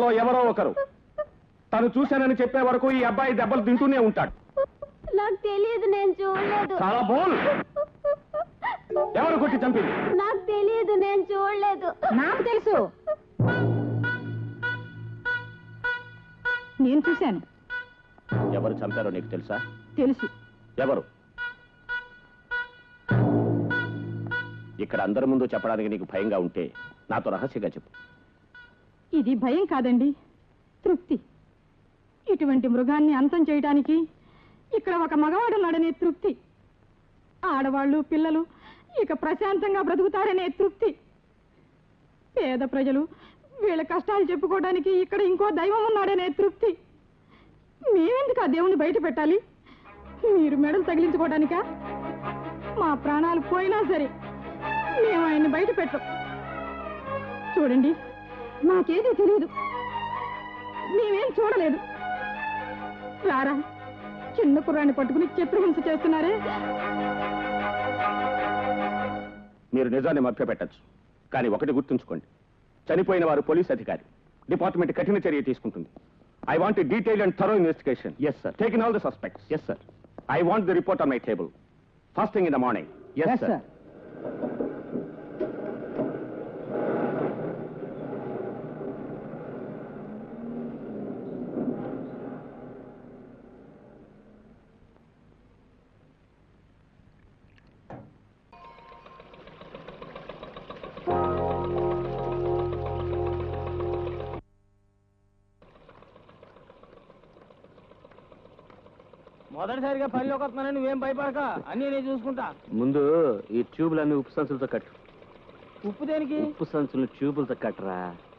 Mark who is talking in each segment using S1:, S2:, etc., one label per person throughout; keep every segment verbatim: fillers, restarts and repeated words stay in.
S1: ఎవరో ఒకరు. తను చూశానని చెప్పే వరకు ఈ అబ్బాయి దెబ్బలు తింటూనే ఉంటాడు.
S2: నాకు తెలియదు, నేను చూడలేదు.
S1: చాలా బోల్. ఎవరు కొట్టి చంపింది?
S2: నాకు తెలియదు, నేను చూడలేదు.
S3: నాకు తెలుసు, నేను చూశాను.
S1: ఎవరు చంపారో నీకు తెలుసా?
S3: తెలుసు.
S1: ఎవరు? ఇక్కడ అందరి ముందు చెప్పడానికి నీకు భయంగా ఉంటే నాతో రహస్యంగా చెప్పు.
S3: ఇది భయం కాదండి, తృప్తి. ఇటువంటి మృగాన్ని అంతం చేయడానికి ఇక్కడ ఒక మగవాడున్నాడనే తృప్తి. ఆడవాళ్ళు పిల్లలు ఇక ప్రశాంతంగా బ్రతుకుతారనే తృప్తి. పేద ప్రజలు వీళ్ళ కష్టాలు చెప్పుకోవడానికి ఇక్కడ ఇంకో దైవం ఉన్నాడనే తృప్తి. మేమెందుకు ఆ దేవుణ్ణి బయట పెట్టాలి? మీరు మెడలు తగిలించుకోవడానికా? మా ప్రాణాలు పోయినా సరే మేము ఆయన్ని బయట పెట్టం. చూడండి, నాకేదీ తెలియదు, మేమేం చూడలేదు. రారా, చిన్న కుర్రాన్ని పట్టుకుని చిత్రహింస చేస్తున్నారే.
S1: మీరు నిజాన్ని మభ్యపెట్టచ్చు, కానీ ఒకటి గుర్తుంచుకోండి, చనిపోయిన వారు పోలీస్ అధికారి. డిపార్ట్మెంట్ కఠిన చర్య తీసుకుంటుంది. I want detail and thorough investigation. Yes sir. Take in all the suspects. Yes sir. I want the report on my table first thing in the morning. Yes sir.
S4: మొదటిసారిగా పనిలోకి వస్తున్నానని నువ్వేం భయపడక, అన్నీ నేను చూసుకుంటా.
S5: ముందు ఈ ట్యూబులన్నీ ఉప్పు సంచులతో కట్టు.
S4: ఉప్పు దేనికి?
S5: ఉప్పు సంచులు ట్యూబులతో కట్టరా.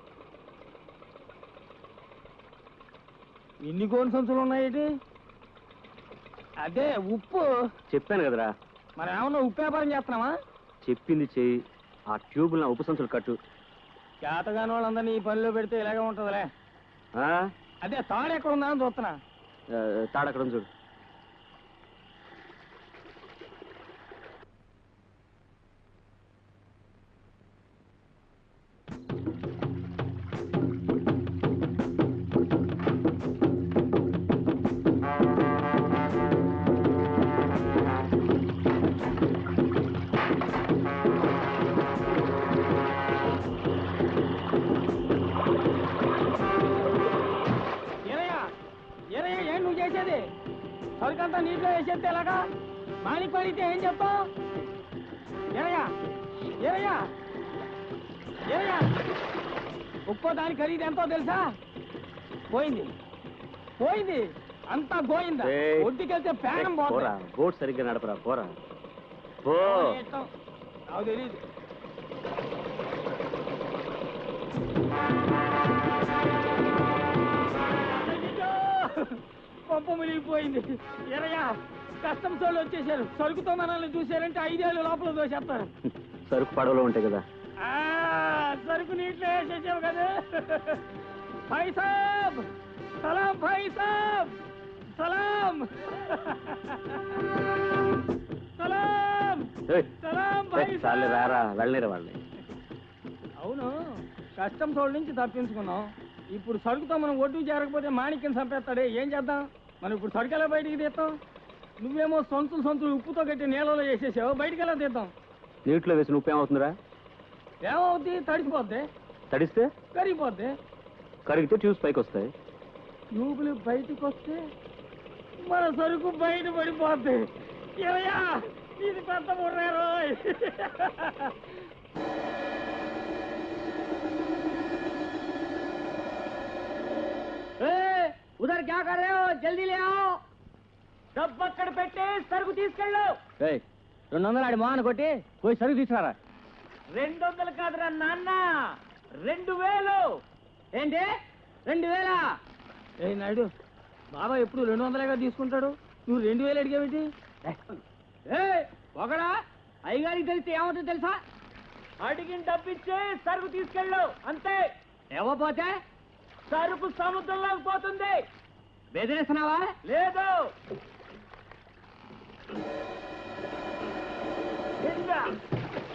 S4: ఎన్ని గోను సంచులు ఉన్నాయేటి? అదే ఉప్పు.
S5: చెప్పాను కదరా.
S4: మరి ఏమన్నా ఉప్పు వ్యాపారం చేస్తున్నావా?
S5: చెప్పింది చెయ్యి. ఆ ట్యూబులను ఉప్పు సంచులు కట్టు.
S4: చేతగాని వాళ్ళందరినీ ఈ పనిలో పెడితే ఇలాగే ఉంటుందిలే. అదే తాడు ఎక్కడ ఉందా అని చూస్తున్నా.
S5: తాడక్కడ చూడు.
S4: సరికంతా నీటిలో వేసేస్తే ఎలాగా? మాలిక్ పడితే ఏం చెప్తావు? ఏరయ్యా ఏరయ్యా ఏరయ్యా ఒక్కో దాని ఖరీదు ఎంతో తెలుసా? పోయింది పోయింది అంతా గోయిందా. ఒడ్డుకెళ్తే ప్రాణం పోరా.
S5: బోట్ సరిగ్గా నడపరా. పోరా.
S4: నాకు తెలీదు. పంప మునిగిపోయింది. ఎరయ్యా, కస్టమ్స్ వాళ్ళు వచ్చేసారు. సరుకుతో మనల్ని చూసారంటే ఐదేళ్ళు లోపల దోసేస్తారు.
S5: సరుకు పడవలో ఉంటాయి కదా.
S4: సరుకు నీటిలో వేసేసావు కదా. భాయ్ సాబ్ సలాం. భాయ్ సాబ్ సలాం. సలాం సలాం. భాయ్ సాబ్
S5: రారా, వెళ్ళలేరా వాళ్ళని.
S4: అవును, కస్టమ్స్ వాళ్ళ నుంచి తప్పించుకున్నాం. ఇప్పుడు సరుకుతో మనం ఒడ్డు చేరకపోతే మాణిక్యం చంపేస్తాడే. ఏం చేద్దాం? మనం ఇప్పుడు సరుకు ఎలా బయటికి తీస్తాం? నువ్వేమో సొంతులు సొంతులు ఉప్పుతో కట్టి నీళ్ళలో వేసేసావు. బయటికి ఎలా తీద్దాం?
S5: నీటిలో వేసిన ఉప్పు ఏమవుతుందిరా?
S4: ఏమవుద్ది? తడిసిపోద్ది.
S5: తడిస్తే
S4: కరిగిపోద్ది.
S5: కరిగితే ట్యూబ్స్ పైకి వస్తాయి.
S4: ట్యూబులు బయటికి వస్తే మన సరుకు బయట పడిపోద్ది. ఏమయ్యా, ఇది పెద్ద ముర్రారు. ఉదర్ క్యా కర్ రహే హో? జల్దీ లే आओ. డబ్బు అక్కడ పెట్టి సరుకు తీసుకెళ్ళు. రెండు వందలు ఆడి మోహన్ కొట్టి పోయి సరుకు తీసుకురారా. రెండు వందలు కాదురా నాన్న, రెండు వేలు. ఏంటి రెండు వేలా? ఏ నాయుడు, బాబా ఎప్పుడు రెండు వందలేగా తీసుకుంటాడు, నువ్వు రెండు వేలు అడిగేమిటి? ఏ ఒకడా, అయ్యగారికి తెలిస్తే ఏమవుతుందో తెలుసా? అడిగిన డబ్బిచ్చే సరుకు తీసుకెళ్ళు అంతే. ఇవ్వపోతే సరుకు సముద్రంలోకి పోతుంది. బెదిరిస్తున్నావా? లేదు.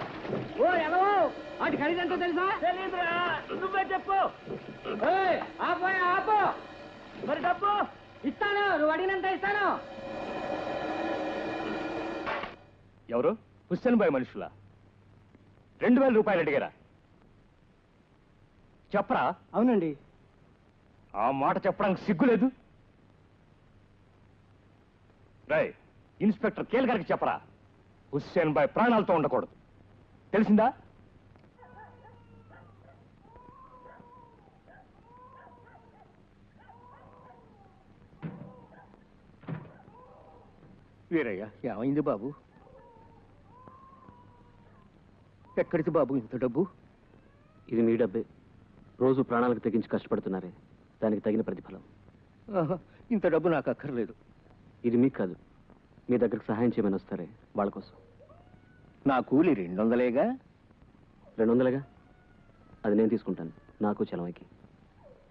S4: ఓ ఎవో వాటి ఖరీదంతా తెలుసా? తెలీదురా, నువ్వే చెప్పు. ఆ నువ్వు అడిగినంత ఇస్తాను.
S1: ఎవరు? హుస్సేన్ బాయ్ మనుషులా? రెండు వేల రూపాయలు అడిగారా? చెప్పరా?
S4: అవునండి.
S1: ఆ మాట చెప్పడానికి సిగ్గులేదు. రై, ఇన్స్పెక్టర్ కేల్ గారికి చెప్పరా, హుస్సేన్ బాయ్ ప్రాణాలతో ఉండకూడదు, తెలిసిందా?
S6: వీరయ్య, ఏమైంది బాబు? ఎక్కడికి బాబు ఇంత డబ్బు?
S5: ఇది మీ డబ్బే. రోజు ప్రాణాలకు తెగించి కష్టపడుతున్నారే, దానికి తగిన ప్రతిఫలం.
S6: ఆహా, ఇంత డబ్బు నాకు అక్కర్లేదు.
S5: ఇది మీకు కాదు, మీ దగ్గరకు సహాయం చేయమని వస్తారే వాళ్ళ కోసం.
S6: నా కూలి రెండు వందలేగా?
S5: రెండు వందలుగా? అది నేను తీసుకుంటాను, నాకు చలవకి.